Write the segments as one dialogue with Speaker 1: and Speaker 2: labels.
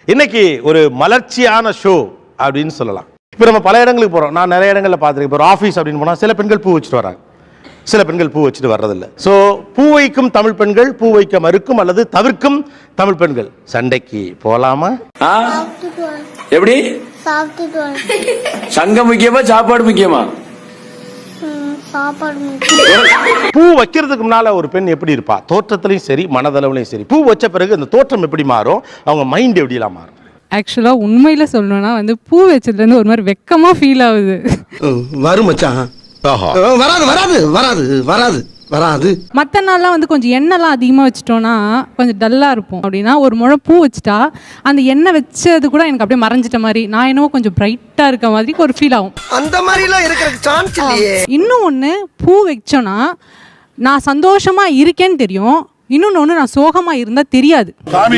Speaker 1: இன்னைக்கு ஒரு மலர்ச்சியான ஷோ அப்படின்னு சொல்லலாம். இப்போ நம்ம பல இடங்களுக்கு போகிறோம். நான் நிறைய இடங்களில் பார்த்துருக்கேன். இப்போ ஒரு ஆஃபீஸ் அப்படின்னு போனால் சில பெண்கள் பூ வச்சுட்டு வராங்க, சில பெண்கள் பூ வச்சுட்டு வர்றதில்லை. ஸோ பூ வைக்கும் தமிழ் பெண்கள், பூ வைக்க மறுக்கும் அல்லது தவிர்க்கும் தமிழ் பெண்கள் சண்டைக்கு போகலாமா?
Speaker 2: எப்படி? சங்கம் முக்கியமா சாப்பாடு முக்கியமா?
Speaker 1: பூ வைக்கிறதுக்கு முன்னால ஒரு பெண் எப்படி இருப்பா? தோற்றத்திலையும் சரி மனதளவுலையும் சரி. பூ வச்ச பிறகு அந்த தோற்றம் எப்படி மாறும்? அவங்க மைண்ட் எப்படிலாம் மாறும்?
Speaker 3: ஆக்சுவலாக உண்மையில் சொல்லணும்னா பூ வச்சதுலேருந்து ஒரு மாதிரி வெக்கமாக ஃபீல் ஆகுது.
Speaker 4: வரும் மச்சான். வராது வராது வராது வராது வராது.
Speaker 3: மற்ற நாள்லாம் கொஞ்சம் எண்ணெய்லாம் அதிகமாக வச்சிட்டோன்னா கொஞ்சம் டல்லாக இருப்போம். அப்படின்னா ஒரு முழம் பூ வச்சுட்டா அந்த எண்ணெய் வச்சது கூட எனக்கு அப்படியே மறைஞ்சிட்ட மாதிரி, நான் என்னவோ கொஞ்சம் பிரைட்டாக இருக்க மாதிரி ஒரு ஃபீல் ஆகும்.
Speaker 4: அந்த மாதிரிலாம் இருக்கிறதுக்கு சான்ஸ் இல்லையே.
Speaker 3: இன்னும் ஒன்று, பூ வச்சோன்னா நான் சந்தோஷமாக இருக்கேன்னு தெரியும், இன்னொன்னு ஒன்று நான் சோகமாக இருந்தால் தெரியாது.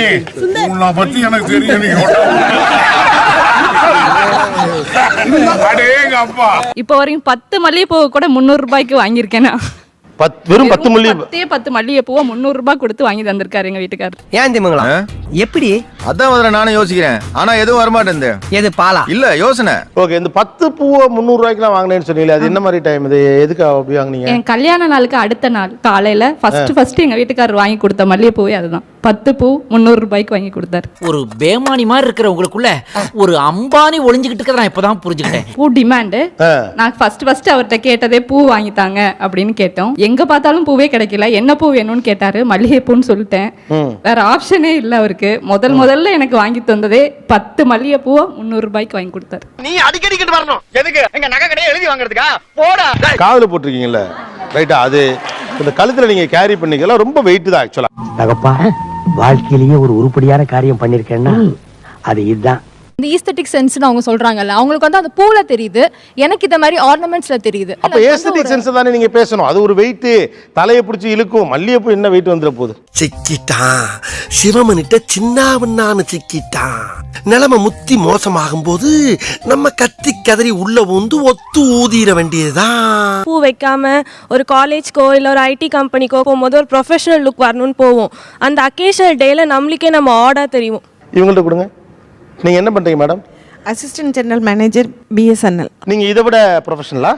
Speaker 5: இப்போ வரைக்கும் 10 மல்லிகைப்பூ கூட 300 ரூபாய்க்கு வாங்கியிருக்கேன்.
Speaker 1: வெறும் 10
Speaker 5: மல்லிகைப்பூவை 300 ரூபாய் கொடுத்து வாங்கி தந்திருக்காரு எங்க வீட்டுக்காரர்.
Speaker 4: ஏன் திமுங்களா? எப்படி?
Speaker 6: அதான் முதல்ல நானும் யோசிக்கிறேன். ஆனா எதுவும் வரமாட்டேன். எது பாலா இல்ல யோசனை.
Speaker 1: ஓகே, இந்த 10 பூவை 300 ரூபாய்க்குலாம் வாங்கினேன்னு சொன்னீங்களே, அது என்ன மாதிரி டைம்? இது எதுக்கு அப்படி வாங்குனீங்க?
Speaker 5: என் கல்யாண நாளுக்கு அடுத்த நாள் காலையில ஃபர்ஸ்ட் எங்க வீட்டுக்காரர் வாங்கி கொடுத்த மல்லிகைப்பூவே அதுதான். 10 பூ 300 ரூபாய்க்கு வாங்கி கொடுத்தாரு.
Speaker 7: ஒரு பேமானி மாதிரி இருக்கிற உங்களுக்குள்ள ஒரு அம்பானி ஒளிஞ்சுக்கிட்டு இருக்கிறத நான் இப்பதான் புரிஞ்சுக்கிட்டேன்.
Speaker 5: பூ டிமாண்ட். நான் ஃபர்ஸ்ட் அவர்கிட்ட கேட்டதே பூ வாங்கி தாங்க அப்படின்னு கேட்டோம். எங்க பார்த்தாலும் பூவே கிடைக்கல. என்ன பூ வேணும்னு கேட்டாரு. மல்லிகைப்பூன்னு சொல்லிட்டேன். வேற ஆப்ஷனே இல்ல அவருக்கு. முதல்ல எனக்கு வாங்கி தந்ததே 10 மல்லிகைப்பூவை 300 ரூபாய்க்கு வாங்கி கொடுத்தாரு.
Speaker 4: நீ அடிக்கடிக்கிட்டு வரணும். எதுக்கு? எங்க நகை கடையை எழுதி வாங்குறதுக்கா? போடா.
Speaker 1: காதுல போட்டிருக்கீங்கல்ல, ரைட்டா? அது இந்த கழுத்துல நீங்க கேரி பண்ணிக்கலாம். ரொம்ப வெயிட் தான் ஆக்சுவலா.
Speaker 8: தகப்பா, வாழ்க்கையிலேயே ஒரு உருப்படியான காரியம் பண்ணிருக்கேன்னா அது இதுதான்.
Speaker 9: இந்த ஈஸ்தட்டிக் சென்ஸ்னு அவங்க சொல்றாங்கல்ல, அவங்களுக்கு அந்த பூல தெரியுது, எனக்கு இந்த மாதிரி ஆர்னமெண்ட்ஸ்ல தெரியுது.
Speaker 1: அப்ப ஏஸ்தட்டிக் சென்ஸ் தானே நீங்க பேசணும். அது ஒரு வெயிட், தலையை பிடிச்சி இழுக்கும். மல்லிகைப்பூ என்ன வெயிட் வந்துற போகுது?
Speaker 4: சிக்கிட்டான் சிவமனிட்ட சின்னாவண்ணான்னு சிக்கிட்டான். நிலைமை முத்தி மோசமாகும் போது நம்ம கத்தி கதறி உள்ள வந்து ஒத்து ஊதிர வேண்டியதுதான்.
Speaker 10: பூ வைக்காம ஒரு காலேஜ்க்கோ இல்லை ஒரு ஐடி கம்பெனிக்கோ போகும்போது ஒரு ப்ரொஃபஷனல் லுக் வரணும்னு போவோம். அந்த அக்கேஷனல் டேல நம்மளுக்கே நம்ம ஆர்டா தெரியும்.
Speaker 1: இவங்கள்ட்ட கொடுங்க. நீங்க என்ன பண்றீங்க madam?
Speaker 10: Assistant general manager BSNL.
Speaker 1: நீங்க இதை விட ப்ரொஃபஷனலா?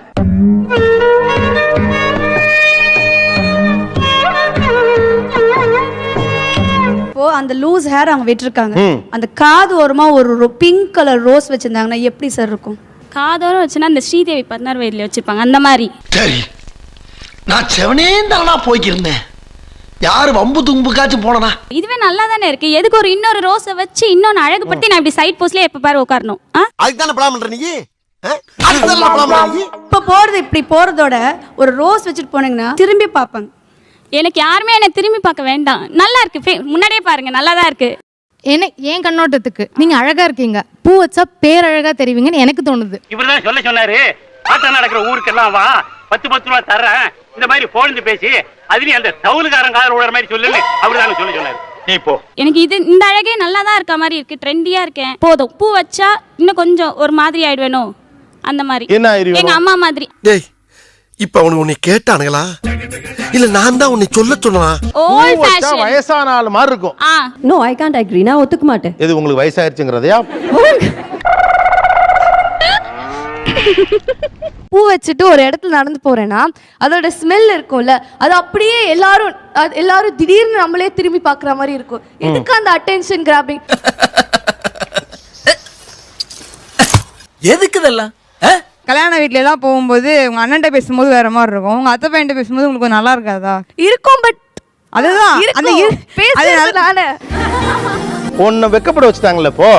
Speaker 11: இப்போ அந்த லூஸ் ஹேர் அவங்க விட்டுருக்காங்க, அந்த காது ஓரமா ஒரு பிங்க் கலர் ரோஸ் வச்சிருந்தாங்கன்னா எப்படி சார் இருக்கும்?
Speaker 5: காதோரம் வச்சுன்னா அந்த ஸ்ரீதேவி 16 வயதுல வச்சிருப்பாங்க அந்த மாதிரி.
Speaker 4: சரி, நான் செவனேந்தானா போய்க்கிருந்தேன். யாரு வம்பு தும்புக்காச்சும் போனா?
Speaker 5: இதுவே நல்லா தானே இருக்கு. எதுக்கு ஒரு இன்னொரு ரோஸை வச்சு இன்னொன்னு அழகுபடுத்தி நான் இப்படி சைட் போஸ்ட்ல எப்ப பாரு உட்காரணும்?
Speaker 4: அதுக்கு தானே பிளான் பண்ற நீ? அதுக்கு தானே பிளான் பண்ற நீ?
Speaker 11: இப்ப போறது இப்படி போறதோட ஒரு ரோஸ் வச்சுட்டு போனீங்கன்னா திரும்பி பார்ப்பாங்க.
Speaker 5: எனக்கு யாருமே என்ன திரும்பி பார்க்க வேண்டாம். நல்லா இருக்கு, முன்னாடியே பாருங்க, நல்லா தான் இருக்கு.
Speaker 9: என் கண்ணோட்டத்துக்கு நீங்க அழகா இருக்கீங்க, பூ வச்சா பேரழகா தெரிவிங்கன்னு எனக்கு தோணுது.
Speaker 8: இவர்தான் சொன்னாரு, ஆட்டம் நடக்கிற ஊருக்கெல்லாம் வா, 10 ரூபா தர்றேன், இந்த மாதிரி போழ்ந்து பேசி அதுலயும் அந்த தவுலுக்காரன் காதல் விடுற மாதிரி சொல்லு அப்படிதான் சொன்னாரு. நீ போ.
Speaker 5: எனக்கு இந்த அழகே நல்லா தான் இருக்க மாதிரி இருக்கு, ட்ரெண்டியா இருக்கேன். போதும், பூ வச்சா இன்னும் கொஞ்சம் ஒரு மாதிரி ஆயிடுவேனோ அந்த மாதிரி. எங்க அம்மா மாதிரி.
Speaker 4: டேய், இப்ப அவனுக்கு உன்னை கேட்டானுங்களா இல்ல நான் தான் உன்னை சொல்ல சொன்னா?
Speaker 5: ஓல்ட் ஃபேஷன்
Speaker 1: வயசான ஆளு மாதிரி இருக்கும்.
Speaker 11: No, I can't agree. நான் ஒத்துக்க மாட்டேன்.
Speaker 1: எது உங்களுக்கு வயசாயிருச்சுங்கறதையா?
Speaker 9: பூ வச்சுட்டு ஒரு இடத்துல நடந்து போறேன்னா அதோட ஸ்மெல் இருக்கும்ல, அது அப்படியே எல்லாரும் திடீர்னு நம்மளே திரும்பி பாக்குற மாதிரி இருக்கும். எதுக்கு அந்த அட்டென்ஷன் கிராபிங்?
Speaker 7: எதுக்கு இதெல்லாம்?
Speaker 3: கல்யாண வீட்ல எல்லாம் போகும்போது உங்க அண்ணன்ட்ட பேசும்போது வேற மாதிரி இருக்கும், உங்க அத்தை பையன்ட்ட பேசும்போது உங்களுக்கு நல்லா இருக்காதா?
Speaker 9: இருக்கும், பட்
Speaker 3: அதுதான் அந்த
Speaker 9: பேசுறதுனால
Speaker 1: ஒன்ன வெக்கப்பட வச்சுட்டாங்கல்ல இப்போ.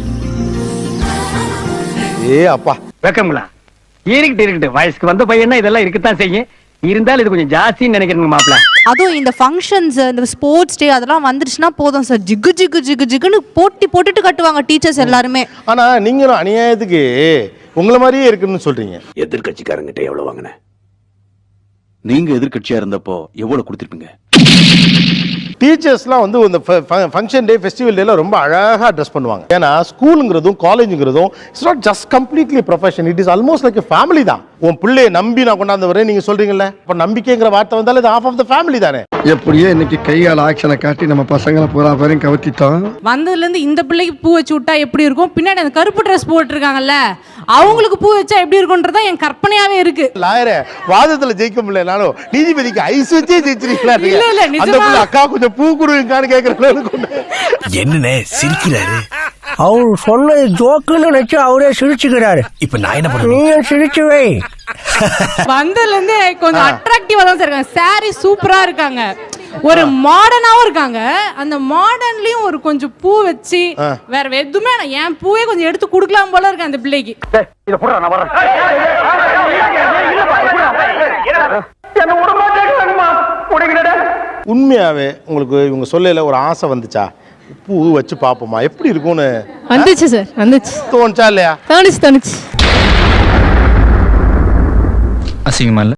Speaker 1: அப்பா
Speaker 8: வெக்கங்களா? இருக்கட்டு வயசுக்கு வந்த பையனா இதெல்லாம் இருக்கத்தான் செய்யும். இருந்தாலும் இது கொஞ்சம் ஜாஸ்தின்னு நினைக்கிறேங்க மாப்பிள்ள.
Speaker 9: அதுவும் இந்த ஃபங்க்ஷன்ஸ், இந்த ஸ்போர்ட்ஸ் டே அதெல்லாம் வந்துருச்சுன்னா போதும் சார், ஜிகுன்னு போட்டுட்டு கட்டுவாங்க டீச்சர்ஸ் எல்லாருமே.
Speaker 1: ஆனா நீங்களும் அநியாயத்துக்கு உங்களை மாதிரியே இருக்குன்னு சொல்றீங்க.
Speaker 2: எதிர்கட்சிக்காரங்கிட்ட எவ்வளவு வாங்கின? நீங்க எதிர்கட்சியா இருந்தப்போ எவ்வளவு கொடுத்திருப்பீங்க?
Speaker 1: டீச்சர்ஸ்லாம் இந்த ஃபங்க்ஷன் டே, ஃபெஸ்டிவல் டேல ரொம்ப அழகா ட்ரெஸ் பண்ணுவாங்க. ஏன்னா ஸ்கூலுங்கிறதும் காலேஜுங்கிறதும் it's not just completely profession, it is almost like a family தான். உன் பிள்ளையை நம்பி நான் கொண்டாந்து வரேன் நீங்க சொல்றீங்கல்ல, இப்ப நம்பிக்கைங்கிற வார்த்தை வந்தாலும் இது half of the family தானே.
Speaker 4: எப்படியோ இன்னைக்கு கையால் ஆக்ஷனை காட்டி நம்ம பசங்களை பூரா பேரையும் கவர்த்திட்டோம்.
Speaker 3: வந்ததுலேருந்து இந்த பிள்ளைக்கு பூ வச்சு விட்டா எப்படி இருக்கும், பின்னாடி அந்த கருப்பு ட்ரெஸ் போட்டிருக்காங்கல்ல அவங்களுக்கு பூ வச்சா எப்படி இருக்கும்ன்றதா என் கற்பனையாவே இருக்கு.
Speaker 1: லாயரே வாதத்துல ஜெயிக்க முடியலனாலும் நீதிபதிக்கு ஐஸ் வச்சே ஜெயிச்சிருக்கீங்களா?
Speaker 3: இல்ல, இல்ல, நிஜமா.
Speaker 1: அந்த பிள்ளை அக்கா கொஞ்சம் பூ கொடுங்கன்னு கேக்குறேன்.
Speaker 4: என்னண்ணே சிரிக்கிறாரு?
Speaker 7: அவர் சொன்ன ஜோக்குன்னு நினைச்சு அவரே சிரிச்சுக்கிறாரு.
Speaker 4: இப்ப நான் என்ன பண்ணுவேன்?
Speaker 7: நீ சிரிச்சுவே.
Speaker 3: வந்ததுல இருந்து கொஞ்சம் அட்ராக்டிவா தான் சார் இருக்காங்க. சாரி சூப்பரா இருக்காங்க, ஒரு மாடர்னாவும் இருக்காங்க. அந்த மாடர்ன்லயும் ஒரு கொஞ்சம் பூ வச்சு வேற எதுவுமே என் பூவே கொஞ்சம் எடுத்து கொடுக்கலாம் போல இருக்கு அந்த பிள்ளைக்கு.
Speaker 1: உண்மையாவே உங்களுக்கு இவங்க சொல்லல ஒரு ஆசை வந்துச்சா, பூ வச்சு பாப்போமா எப்படி இருக்கும்னு?
Speaker 3: வந்துச்சு சார், வந்துச்சு.
Speaker 1: தோணுச்சா இல்லையா?
Speaker 3: தோணுச்சு.
Speaker 6: அசிங்கமா இல்ல?